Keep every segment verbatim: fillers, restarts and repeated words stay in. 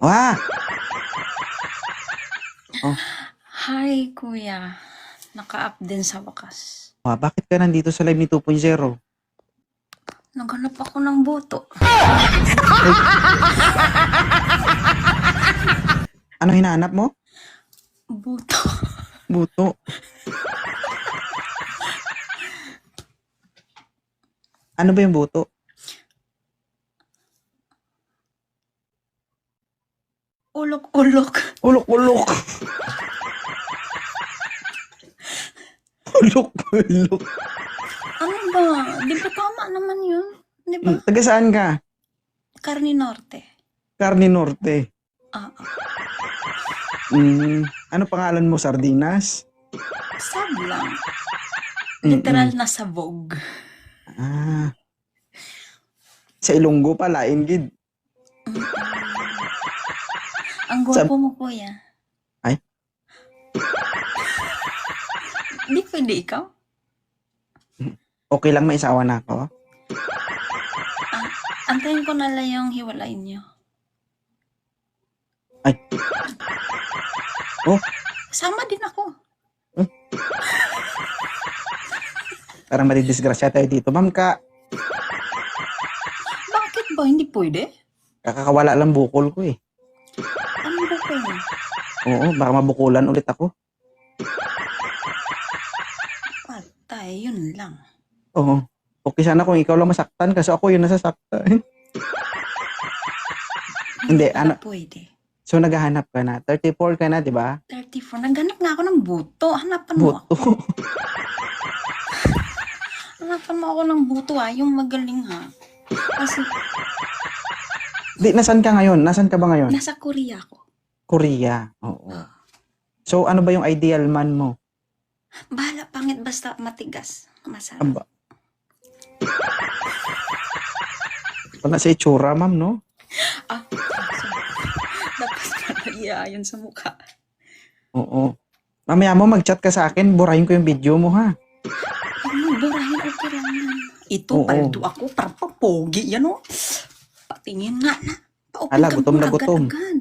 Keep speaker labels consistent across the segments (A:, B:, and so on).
A: Wah! Oh,
B: Hi, kuya. Naka-up din sa wakas.
A: wah, bakit ka nandito sa live ni two point oh?
B: Naghanap ako ng boto.
A: Ano hinahanap mo?
B: Boto.
A: Buto. Ano ba yung buto?
B: Ulok-ulok.
A: Ulok-ulok. Ulok-ulok.
B: Ano ba? Di ba tama naman yun? Di ba?
A: Hmm, taga saan ka?
B: Carne Norte.
A: Carne Norte.
B: Ah, ah.
A: Mm, ano pangalan mo? Sardinas?
B: Sab lang.
A: Mm-mm.
B: Literal na sabog.
A: Ah. Sa Ilonggo pala, ingid.
B: Mm-mm. Ang gwapo mo, kuya.
A: Ay?
B: Di pwede ikaw?
A: Okay lang may isawa na ako?
B: Ah, antayin ko na lang yung hiwalayin nyo.
A: Ay. Oh,
B: Sama din ako.
A: parang madidisgrasya tayo dito. Ma'am ka,
B: Bakit ba? Hindi pwede?
A: kakakawala lang bukol ko eh.
B: Ano ba ko yun?
A: Oo, baka mabukulan ulit ako.
B: Patay, yun lang.
A: Oo. Okay sana kung ikaw lang masaktan kasi ako yung nasasaktan. Hindi,
B: pala
A: ano,
B: pwede.
A: so naghahanap ka na. thirty-four ka na, di ba?
B: thirty-four. Naghanap nga ako ng buto. Hanapan mo ako.
A: Buto.
B: Hanapan mo ako ng buto ha. Yung magaling ha. Kasi
A: Di, nasan ka ngayon? Nasan ka ba ngayon?
B: nasa Korea ako.
A: Korea. Oo. So, ano ba yung ideal man mo?
B: Bahala pangit basta matigas. Masarap.
A: Aba. Wala sa itsura, ma'am, no?
B: Ah, sorry. Tapos pala yun sa mukha.
A: Oo. Mamaya mo, mag-chat ka sa akin, burahin ko yung video mo, ha?
B: Huwag mo burahin. Okay lang yan. Ito,
A: Oo.
B: paldo ako. Parang papogi. Yan o. Patingin nga na. Pa-open
A: Ala,
B: ka
A: gutom
B: muna
A: na gutom.
B: agad-agad.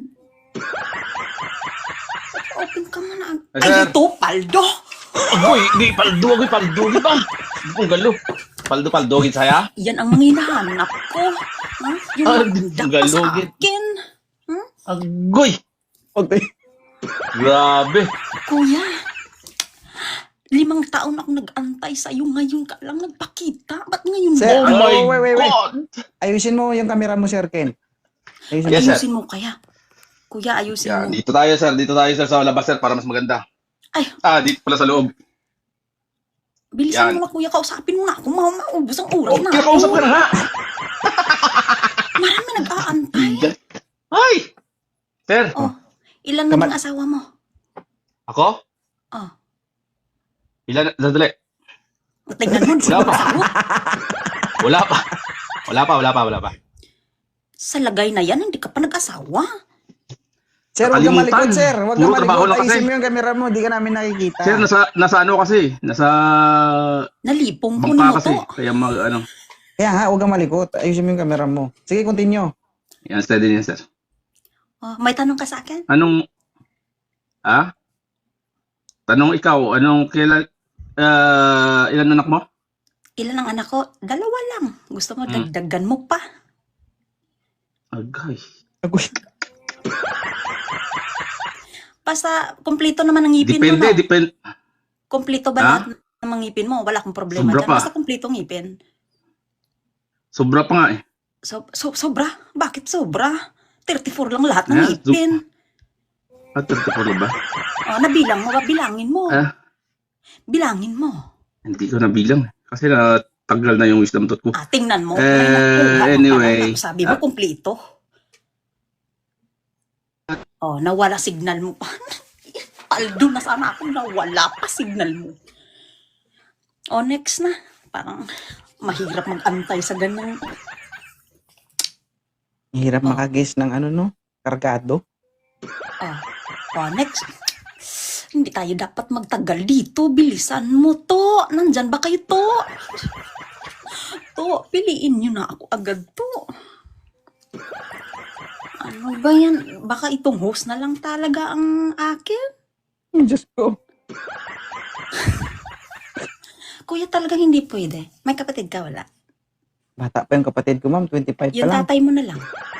B: Pa-open ka muna agad.
C: Ay,
B: Ay,
C: sir.
B: ito, paldo.
C: Agoy, di paldo, agoy, paldo, di ba? Ang galo. Paldo, paldo, gid saya?
B: Yan ang hinahanap ko. Ha? Yung
C: Ah,
B: maganda pa sa
C: galugit.
B: akin.
C: Agoy!
A: Okay.
C: Grabe.
B: Kuya, limang taon ako nag-antay sa'yo. Ngayon ka lang nagpakita. Ba't ngayon
A: Sir,
C: Oh
B: mo?
C: my
A: oh, wait, wait, wait.
C: God!
A: Ayusin mo yung camera mo, Sir Ken. Ayusin
C: Yes,
A: mo.
C: sir.
B: Ayusin mo kaya. Kuya, ayusin
C: Yan,
B: mo.
C: dito tayo, sir. Dito tayo, sir, sa labas, sir, para mas maganda.
B: Ay,
C: Ah, dito pala sa loob.
B: bilisan
C: Yan.
B: mo na kuya. Kausapin mo na ako. Ma maubos ang oras
C: Oh,
B: na
C: kaya kausap ka na, ha?
B: Marami nag-aantay.
C: Ay! Sir,
B: Oh, ilan na
A: Kamal-
B: ang asawa mo?
C: ako?
B: Oh,
C: Ilan, sandali.
B: tingnan mo.
C: Wala pa. Wala pa. Wala pa, wala pa, wala pa.
B: Sa lagay na yan, hindi ka pa nag-asawa.
A: Sir, huwag ka
C: Nakalimutan.
A: malikot, sir. Huwag ka
C: Puro trabaho
A: malikot.
C: lang kasi.
A: Ayusin mo yung camera mo. Di ka namin nakikita.
C: Sir, nasa, nasa ano kasi? Nasa
B: Nalipong kunin
C: bangka
B: mo
C: kasi.
B: to.
C: Kaya mag, ano.
A: Kaya nga, huwag ka malikot. Ayusin mo yung camera mo. Sige, continue.
C: Yan, steady yan, sir.
B: Oh, may tanong ka sa akin?
C: Anong, ah? Tanong ikaw, anong kailan, ah, ilan anak mo?
B: Ilan ang anak ko? Dalawa lang. Gusto mo,
C: Hmm.
B: dagdagan mo pa.
C: Agay.
A: Agoy.
B: Basta, kumpleto naman ang ngipin
C: Depende,
B: mo, no?
C: depende.
B: Kumpleto ba
C: Ha?
B: lahat ng mga ngipin mo? Wala akong problema
C: Sobra
B: dyan.
C: pa.
B: Basta kumpleto ngipin.
C: Sobra pa nga eh.
B: So, so, sobra? Bakit sobra? thirty-four lang lahat ng
C: Yeah,
B: ngipin.
C: Ah, thirty-four na ba?
B: Oh, nabilang mo ba? Bilangin mo.
C: Ah,
B: Bilangin mo.
C: hindi ko nabilang. Kasi na tagal na yung wisdom tooth ko.
B: Ah, tingnan mo.
C: Eh,
B: Ay, naku, ano
C: anyway.
B: ka na? Sabi mo,
C: Ah.
B: kumpleto. Oh, nawala signal mo pa. Paldo na sana ako, nawala pa signal mo. Oh, next na. Parang mahirap mag-antay sa ganang.
A: Hirap
B: Oh.
A: makaguess ng ano, no? Kargado.
B: Oh, oh, next. Hindi tayo dapat magtagal dito. Bilisan mo to. Nandyan ba kayo to? To, piliin nyo na ako agad to. Ano ba yan? Baka itong host na lang talaga ang akin.
A: Ay, Diyos ko.
B: Kuya, talagang hindi pwede. May kapatid ka, wala?
A: Bata pa yung kapatid ko, ma'am. twenty-five pa
B: Yung
A: lang.
B: tatay mo na lang.